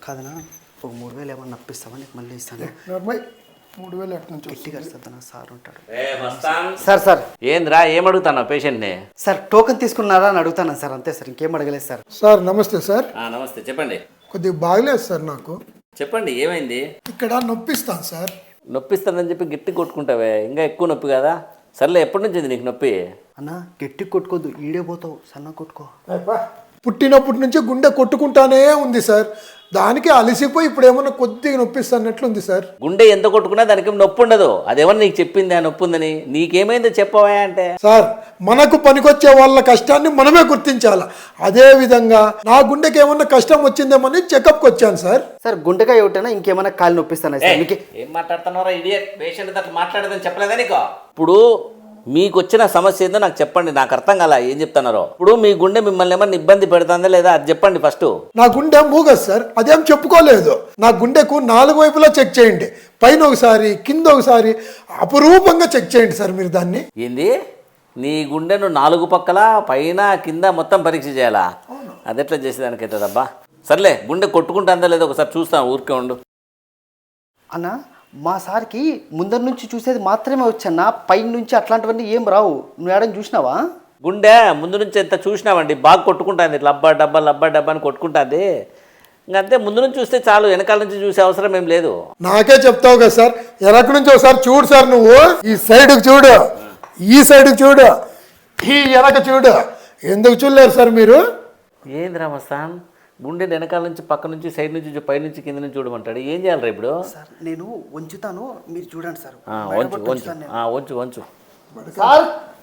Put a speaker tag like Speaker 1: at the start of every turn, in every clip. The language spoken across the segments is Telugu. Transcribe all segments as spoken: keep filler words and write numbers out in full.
Speaker 1: కాదనా ఒక మూడు వేలు ఏమన్నా నప్పిస్తావా నీకు మళ్ళీ ఇస్తాను.
Speaker 2: మూడు వేలు ఎట్ నుంచి
Speaker 1: గట్టిగా అరుస్తుందా సార్ ఉంటాడు.
Speaker 3: సార్ సార్ ఏంద్రా ఏమడుగుతాను పేషెంట్ని?
Speaker 1: సార్ టోకెన్ తీసుకున్నారా అని అడుగుతాను సార్, అంతే సార్, ఇంకేం అడగలేదు సార్.
Speaker 2: సార్ నమస్తే సార్.
Speaker 3: నమస్తే చెప్పండి.
Speaker 2: కొద్దిగా బాగలేదు సార్ నాకు.
Speaker 3: చెప్పండి ఏమైంది?
Speaker 2: ఇక్కడ నొప్పిస్తాను సార్.
Speaker 3: నొప్పిస్తానని చెప్పి గట్టి కొట్టుకుంటావే, ఇంకా ఎక్కువ నొప్పి కదా. సర్లే ఎప్పటి నుంచి నొప్పి నొప్పి?
Speaker 1: అన్న గట్టి కొట్టుకోద్దు, ఈడే పోతావు, సన్న కొట్టుకో.
Speaker 2: పుట్టినప్పటి నుంచి గుండె కొట్టుకుంటానే ఉంది సార్. దానికి అలసిపోయి ఇప్పుడు ఏమన్నా కొద్దిగా నొప్పిస్తానట్లుంది సార్.
Speaker 3: గుండె ఎంత కొట్టుకున్నా దానికి నొప్పి ఉండదు. అదేమన్నా నీకు చెప్పింది ఆ నొప్పి ఉందని? నీకేమైందో చెప్పవా అంటే.
Speaker 2: సార్ మనకు పనికొచ్చే వాళ్ళ కష్టాన్ని మనమే గుర్తించాలి. అదే విధంగా నా గుండెకి ఏమన్నా కష్టం వచ్చిందేమని చెకప్కి వచ్చాను సార్.
Speaker 1: సార్ గుండెకాయ ఒకటేనా ఇంకేమన్నా కాలు నొప్పిస్తానా సార్? మీకు
Speaker 3: ఏం మాట్లాడుతున్నారా ఇడియట్? పేషెంట్ అట్లా మాట్లాడదని చెప్పలేదా నీకు? ఇప్పుడు మీకు వచ్చిన సమస్య ఏందో నాకు చెప్పండి, నాకు అర్థం కాల ఏం చెప్తున్నారో. ఇప్పుడు మీ గుండె మిమ్మల్ని ఏమన్నా ఇబ్బంది పెడుతుందా లేదా అది చెప్పండి ఫస్ట్.
Speaker 2: నా గుండె మూగదు సార్, అదేం చెప్పుకోలేదు. నా గుండెకు నాలుగు వైపులా చెక్ చేయండి, పైన ఒకసారి కింద ఒకసారి, అపురూపంగా చెక్ చేయండి సార్ మీరు దాన్ని.
Speaker 3: ఏంది నీ గుండెను నాలుగు పక్కల పైన కింద మొత్తం పరీక్ష చేయాలా? అది ఎట్లా చేసేదానికి అవుతుందబ్బా. సర్లే గుండె కొట్టుకుంటుందా లేదా ఒకసారి చూస్తాను, ఊరికే ఉండు.
Speaker 1: అన్న మా సార్కి ముందర నుంచి చూసేది మాత్రమే వచ్చన్నా, పైన నుంచి అట్లాంటివన్నీ ఏం రావు. నువ్వు ఏడని చూసినావా?
Speaker 3: గుండె ముందు నుంచి ఎంత చూసినావండి, బాగా కొట్టుకుంటుంది, లబ్బా డబ్బా లబ్బా డబ్బా అని కొట్టుకుంటుంది. ఇంకంతే, ముందు నుంచి చూస్తే చాలు, వెనకాల నుంచి చూసే అవసరం ఏం లేదు.
Speaker 2: నాకే చెప్తావు కదా సార్, వెనక నుంచి ఒకసారి చూడు సార్. నువ్వు ఈ సైడ్కి చూడు, ఈ సైడ్కి చూడు, ఈ వెనక చూడు. ఎందుకు చూడలేరు సార్ మీరు?
Speaker 3: ఏంది రామస్థాన్, గుండె వెనకాల నుంచి పక్క నుంచి సైడ్ నుంచి పై నుంచి కింద నుంచి చూడమంటాడు. ఏం చేయాలి రా ఇప్పుడు?
Speaker 1: సార్ నేను వంచుతాను, మీరు చూడండి సార్.
Speaker 3: వంచు వంచు వంచు వంచు
Speaker 1: సార్.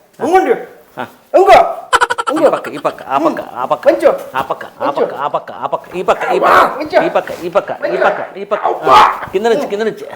Speaker 3: ఈ పక్క ఈ పక్క ఆ పక్క ఆ పక్క ఆ పక్క ఆ పక్క ఆ పక్క ఆ పక్క ఈ పక్క ఈ పక్క ఈ పక్క ఈ పక్క ఈ పక్క ఈ పక్క కింద నుంచి కింద నుంచి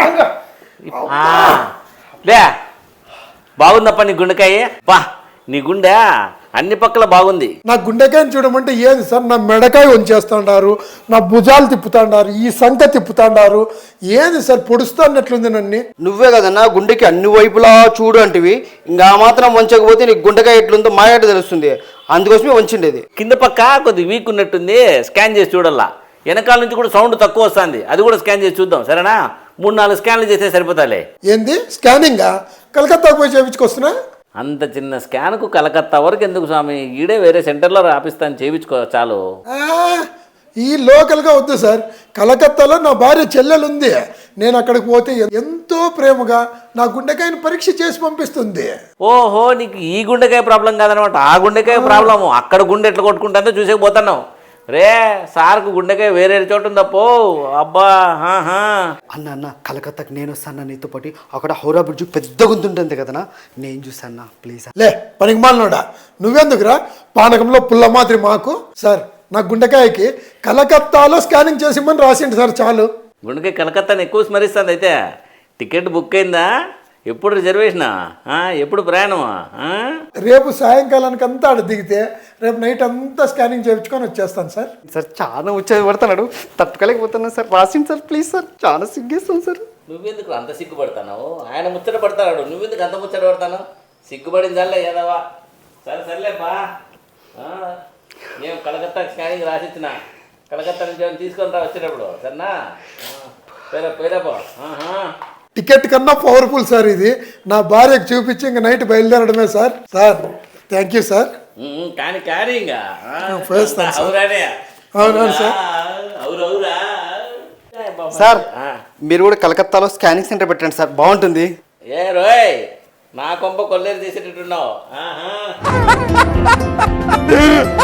Speaker 3: లే. బాగుందప్ప నీ గుండెకాయ, బా నీ గుండె అన్ని పక్కల బాగుంది.
Speaker 2: నా గుండెకాయని చూడమంటే ఏది సార్? నా మెడకాయ వంచేస్తాడారు, నా భుజాలు తిప్పుతాడారు, ఈ సంఖ తిప్పుతాడారు. ఏది సార్ పొడుస్తున్నట్లుంది నన్ను?
Speaker 1: నువ్వే కదన్నా గుండెకి అన్ని వైపులా చూడు అంటివి, ఇంకా మాత్రం వంచకపోతే నీకు గుండెకాయ ఎట్లుందో మాయాట తెలుస్తుంది, అందుకోసమే వంచిండేది.
Speaker 3: కింద పక్క కొద్ది వీక్ ఉన్నట్టుంది, స్కాన్ చేసి చూడాలా. వెనకాల నుంచి కూడా సౌండ్ తక్కువ వస్తుంది, అది కూడా స్కాన్ చేసి చూద్దాం సరేనా? మూడు నాలుగు స్కాన్లు చేస్తే సరిపోతాలే.
Speaker 2: ఏంది స్కానింగా? కలకత్తాకు పోయి చేయించుకొస్తున్నా?
Speaker 3: అంత చిన్న స్కాన్కు కలకత్తా వరకు ఎందుకు స్వామి, ఈడే వేరే సెంటర్లో రాపిస్తాను, చేయించుకో చాలు.
Speaker 2: ఈ లోకల్గా వద్దు సార్. కలకత్తాలో నా భార్య చెల్లెలు ఉంది, నేను అక్కడికి పోతే ఎంతో ప్రేమగా నా గుండెకాయని పరీక్ష చేసి పంపిస్తుంది.
Speaker 3: ఓహో, నీకు ఈ గుండెకాయ ప్రాబ్లం కాదనమాట, ఆ గుండెకాయ ప్రాబ్లము. అక్కడ గుండె ఎట్లా కొట్టుకుంటుందో చూసేకపోతున్నావు రే. సార్కు గుండెకాయ వేరే చోటు ఉందప్పో. అబ్బా
Speaker 1: అన్న అన్న కలకత్తాకి నేను వస్తాను నీతో పాటు. అక్కడ హౌరా బ్రిడ్జ్ పెద్ద గుంతుంటుంది కదనా, నేను చూసాను ప్లీజ్.
Speaker 2: లే పనికి మాలనోడా, నువ్వెందుకురా పానకంలో పుల్ల మాదిరి మాకు. సార్ నా గుండెకాయకి కలకత్తాలో స్కానింగ్ చేసిమని రాసిండు సార్, చాలు.
Speaker 3: గుండెకాయ కలకత్తాని ఎక్కువ స్మరిస్తుంది. అయితే టికెట్ బుక్ అయిందా? ఎప్పుడు రిజర్వేషనా? ఎప్పుడు ప్రయాణమా?
Speaker 2: రేపు సాయంకాలానికి అంతా ఆడ దిగితే రేపు నైట్ అంతా స్కానింగ్ చేయించుకొని వచ్చేస్తాను సార్.
Speaker 1: సార్ చాలా వచ్చేది పడుతున్నాడు, తట్టుకోలేకపోతున్నాను సార్, రాసింది సార్ ప్లీజ్ సార్, చాలా సిగ్గేస్తాను సార్.
Speaker 3: నువ్వెందుకు అంత సిగ్గుపడతాను? ఆయన ముచ్చట పడతాడు, నువ్వెందుకు అంత ముచ్చట పడతాను? సిగ్గుపడిందల్లే ఏదవా. సరే సర్లేపా, నేను కలకత్తా స్కానింగ్ రాసిచ్చిన, కలకత్తా నుంచి ఏమైనా తీసుకొని రా వచ్చేటప్పుడు సరేనా? పేరా పేరాపో.
Speaker 2: టికెట్ కన్నా పవర్ఫుల్ సార్ ఇది. నా భార్యకు చూపించి ఇంక నైట్ బయలుదేరడమే sir. Sir thank you sir.
Speaker 3: కానీ కానీ ఇంకా
Speaker 2: అవునవును సార్.
Speaker 1: సార్ మీరు కూడా కలకత్తాలో స్కానింగ్ సెంటర్ పెట్టండి సార్, బాగుంటుంది.
Speaker 3: ఏ రోయ్, నా కొంప కొల్లేరు తీసేటట్టున్నావు.